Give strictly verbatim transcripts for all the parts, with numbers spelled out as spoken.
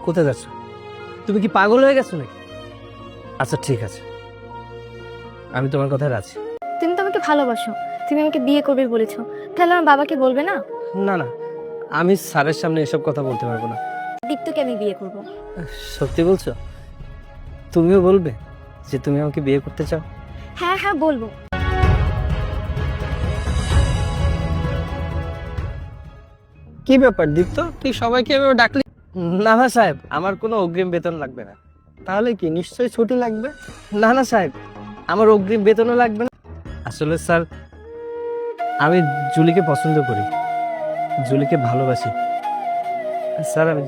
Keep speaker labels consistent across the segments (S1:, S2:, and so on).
S1: কোথায় যাচ্ছ? তুমি কি পাগল হয়ে গেছো নাকি? আচ্ছা ঠিক আছে, আমি তোমার কথায় রাজি।
S2: তুমি তো আমাকে ভালোবাসো, তুমি আমাকে বিয়ে করবে বলেছো, তাহলে আমার বাবাকে বলবে না?
S1: না না, আমি স্যারের সামনে এসব কথা বলতে পারবো না।
S2: দীপ্তকে আমি বিয়ে করব।
S1: সত্যি বলছো? তুমিও বলবে যে তুমি আমাকে বিয়ে করতে চাও?
S2: হ্যাঁ হ্যাঁ বলবো।
S1: কি ব্যাপার দীপ্ত, তুই সবাইকে এভাবে ডাকলি? না না সাহেব, আমার কোনো অগ্রিম বেতন লাগবে না। তাহলে কি নিশ্চয়ই ছুটি লাগবে? না না সাহেব, আমার অগ্রিম বেতনও লাগবে না। আসলে স্যার, আমি জুলিকে পছন্দ করি, জুলিকে ভালোবাসি স্যার। আমি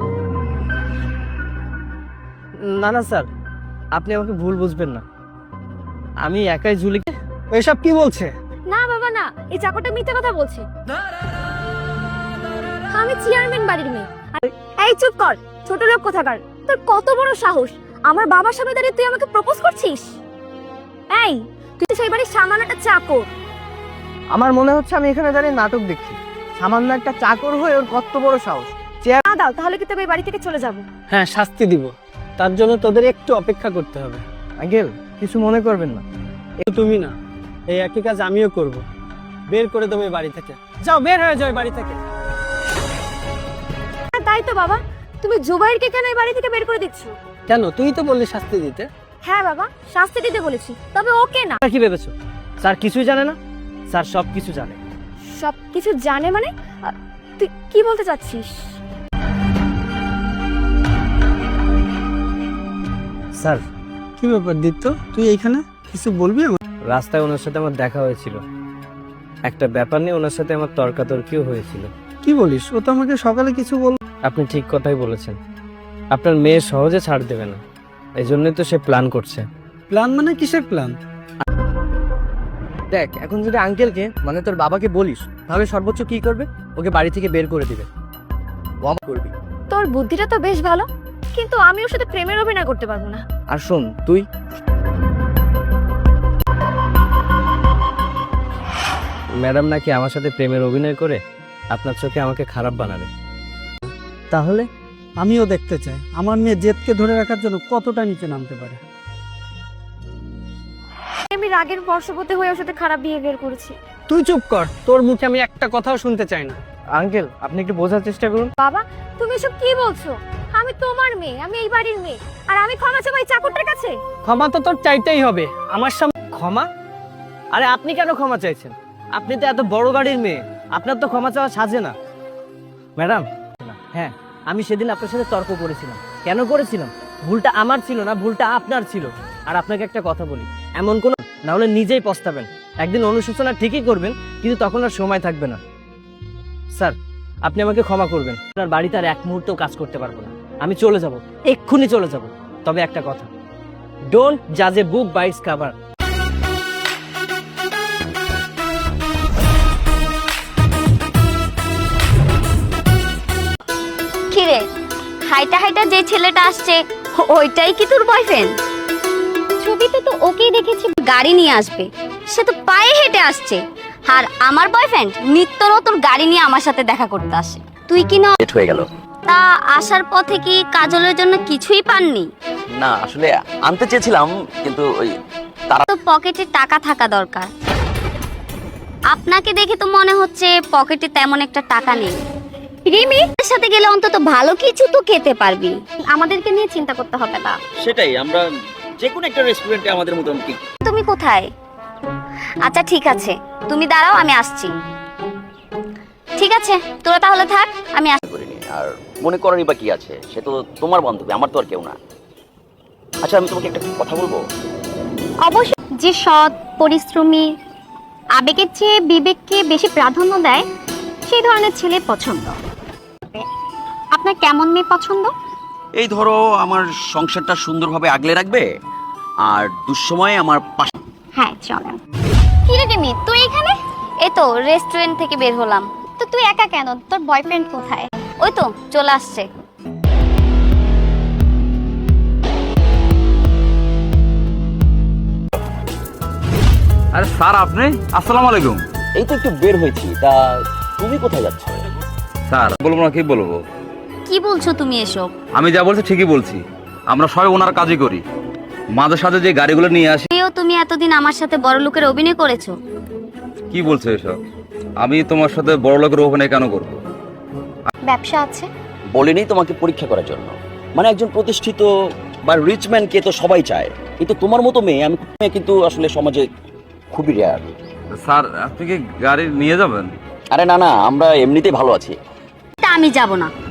S1: না না স্যার, আপনি আমাকে ভুল বুঝবেন না, আমি একাই জুলিকে। এসব কি বলছে?
S2: না বাবা না, এই চাকরটা মিথ্যে কথা বলছে। আমি চেয়ারম্যান বাড়ির মেয়ে। এই চুপ কর, ছোট লোক কোথাকার, তোর কত বড় সাহস আমার বাবার সামনে দাঁড়িয়ে তুই আমাকে প্রপোজ করছিস? এই তুই তো সেই বাড়ির সামান্য একটা চাকর।
S1: আমার মনে হচ্ছে আমি এখানে দাঁড়িয়ে নাটক দেখছি। সামান্য একটা চাকর হয়ে ওর কত বড় সাহস।
S2: না দাও, তাহলে কি তবে এই বাড়ি থেকে চলে যাব?
S1: হ্যাঁ, শাস্তি দিব, তার জন্য তোদের একটু অপেক্ষা করতে হবে। আঙ্কেল, কিছু মনে করবেন না। তুমি না, এই একই কাজ আমিও করব। বের করে দেবো এই বাড়ি থেকে। যাও, বের হয়ে যাও এই বাড়ি থেকে।
S2: তাই তো বাবা, তুমি জুবাইরকে কেন এই বাড়ি থেকে বের করে দিচ্ছ?
S1: কেন? তুই তো বললি শাস্তি দিতে।
S2: হ্যাঁ বাবা, শাস্তি দিতে বলেছি, তবে ওকে না।
S1: কি ভেবেছো স্যার কিছুই জানে না? স্যার সব কিছু জানে।
S2: সব কিছু জানে মানে? আ, তুই কি বলতে চাচ্ছিস?
S1: স্যার,
S3: কি ব্যাপার দীপ্ত, তুই এইখানে কিছু বলবি?
S1: রাস্তায় ওনার সাথে আমার দেখা হয়েছিল, একটা ব্যাপার নিয়ে ওনার সাথে আমার তর্কাতর্কিও হয়েছিল।
S3: কি বলিস? ও তো আমাকে সকালে কিছু বল।
S1: আপনি ঠিক কথাই বলেছেন, আপনার মেয়ে সহজে ছাড় দেবে না, এই জন্যই তো সে প্ল্যান করছে।
S3: প্ল্যান মানে কিসের প্ল্যান?
S1: দেখ, এখন যদি আঙ্কেলকে মানে তোর বাবাকে বলিস, তাহলে সর্বোচ্চ কি করবে? ওকে বাড়ি থেকে বের করে দিবে। করবি?
S2: তোর বুদ্ধিটা তো বেশ ভালো, কিন্তু আমি ওর সাথে প্রেমের অভিনয় করতে পারবো না।
S1: আর শোন, তুই ম্যাডাম নাকি আমার সাথে প্রেমের অভিনয় করে আপনার চোখে আমাকে খারাপ বানাবে। তাহলে
S3: আমিও দেখতে চাই আমার মেয়ে জেদকে ধরে রাখার জন্য কতটা নিচে নামতে পারে।
S2: আমি রাগের বশবর্তী হয়ে ওর সাথে খারাপ বিহেভিয়ার করেছি।
S1: তুই চুপ কর, তোর মুখে আমি একটা কথাও শুনতে চাই না। আঙ্কেল, আপনি একটু বোঝার চেষ্টা করুন।
S2: বাবা, তুমি এসব কি বলছো? আমি তোমার মেয়ে, আমি এই বাড়ির মেয়ে, আর আমি ক্ষমা চাই এই চাকরটার কাছে?
S1: ক্ষমা তো তোর চাইতেই হবে আমার সামনে। ক্ষমা? আরে আপনি কেন ক্ষমা চাইছেন? আপনি তো এত বড় বাড়ির মেয়ে, আপনার তো ক্ষমা চাওয়া সাজে না। ম্যাডাম, হ্যাঁ, আমি সেদিন আপনার সাথে তর্ক করেছিলাম। কেন করেছিলাম? ভুলটা আমার ছিল না, ভুলটা আপনার ছিল। আর আপনাকে একটা কথা বলি, এমন কোন না হলে নিজেই পস্তাবেন। একদিন অনুশোচনা ঠিকই করবেন, কিন্তু তখন আর সময় থাকবে না। স্যার, আপনি আমাকে ক্ষমা করবেন, আপনার বাড়িতে আর এক মুহূর্তেও কাজ করতে পারবো না। আমি চলে যাব, এক্ষুনি চলে যাব। তবে একটা কথা, ডোন্ট জাজ a book by its cover.
S4: কিরে, হাইটা হাইটা যে ছেলেটা আসছে ওইটাই কি তোর বয়ফ্রেন্ড? ছবিতে তো ওকেই দেখেছি গাড়ি নিয়ে আসবে, সে তো পায়ে হেঁটে আসছে। আর আমার বয়ফ্রেন্ড নিত্য নতুন গাড়ি নিয়ে আমার সাথে দেখা করতে আসে। তুই কি না
S5: লেট হয়ে গেল?
S4: তা আসার পথে কি কাজলের জন্য কিছুই পাননি?
S5: না, আসলে আনতে চেয়েছিলাম, কিন্তু ওই তারা
S4: তো পকেটে টাকা থাকা দরকার। আপনাকে দেখে তো মনে হচ্ছে পকেটে তেমন একটা টাকা নেই। রিমি, এর সাথে গেলে অন্তত ভালো কিছু তো খেতে পারবি, আমাদেরকে নিয়ে চিন্তা করতে হবে না।
S5: সেটাই, আমরা যে কোনো একটা রেস্টুরেন্টে আমাদের মোটামুটি।
S4: তুমি কোথায়? আচ্ছা ঠিক আছে, তুমি দাঁড়াও, আমি আসছি। ঠিক আছে, তোরা তাহলে থাক, আমি আসছি।
S5: করিনি, আর মনে করারই বা কি আছে? সে তো তোমার বান্ধবী, আমার তো আর কেউ না। আচ্ছা, আমি তোমাকে একটা কথা বলবো।
S4: অবশ্যই, যে সৎ, পরিশ্রমী, আবেগের চেয়ে বিবেককে বেশি প্রাধান্য দেয়, সেই ধরনের ছেলে পছন্দ। আপনার কেমন মেয়ে পছন্দ?
S5: এই ধরো, আমার সংসারটা সুন্দরভাবে আগলে রাখবে, আর দুঃসময়ে আমার পাশে।
S4: হ্যাঁ চলেন। কি রে রিমি, তুই এখানে? এই তো রেস্টুরেন্ট থেকে বের হলাম। তো তুই একা কেন? তোর বয়ফ্রেন্ড কোথায়? ওই তো চলে আসছে।
S6: আরে স্যার, আপনি? আসসালামু আলাইকুম।
S5: এই তো একটু বের হয়েছি, তা তুমি কোথায় যাচ্ছ?
S6: স্যার বলবো না, কি বলবো?
S4: কি বলছো তুমি এসব?
S6: আমি যা বলছি ঠিকই বলছি। আমরা সবাই ওনার কাজই করি। মাঝে সাঝে যে গাড়িগুলো নিয়ে আসি।
S4: এও তুমি এতদিন আমার সাথে বড় লোকের অভিনয় করেছো।
S6: কি বলছো এসব? আমি তোমার সাথে বড় লোকের অভিনয় কেন করবো?
S4: ব্যবসা আছে।
S5: বলিনি তোমাকে পরীক্ষা করার জন্য। মানে একজন প্রতিষ্ঠিত বা রিচ ম্যানকে তো সবাই চায়, কিন্তু তোমার মতো মেয়ে আমি মেয়ে কিন্তু আসলে সমাজে খুবই রেয়ার।
S6: স্যার আপনি কি গাড়ি নিয়ে যাবেন?
S5: আরে না না, আমরা এমনিতেই ভালো আছি।
S4: তা আমি যাব না।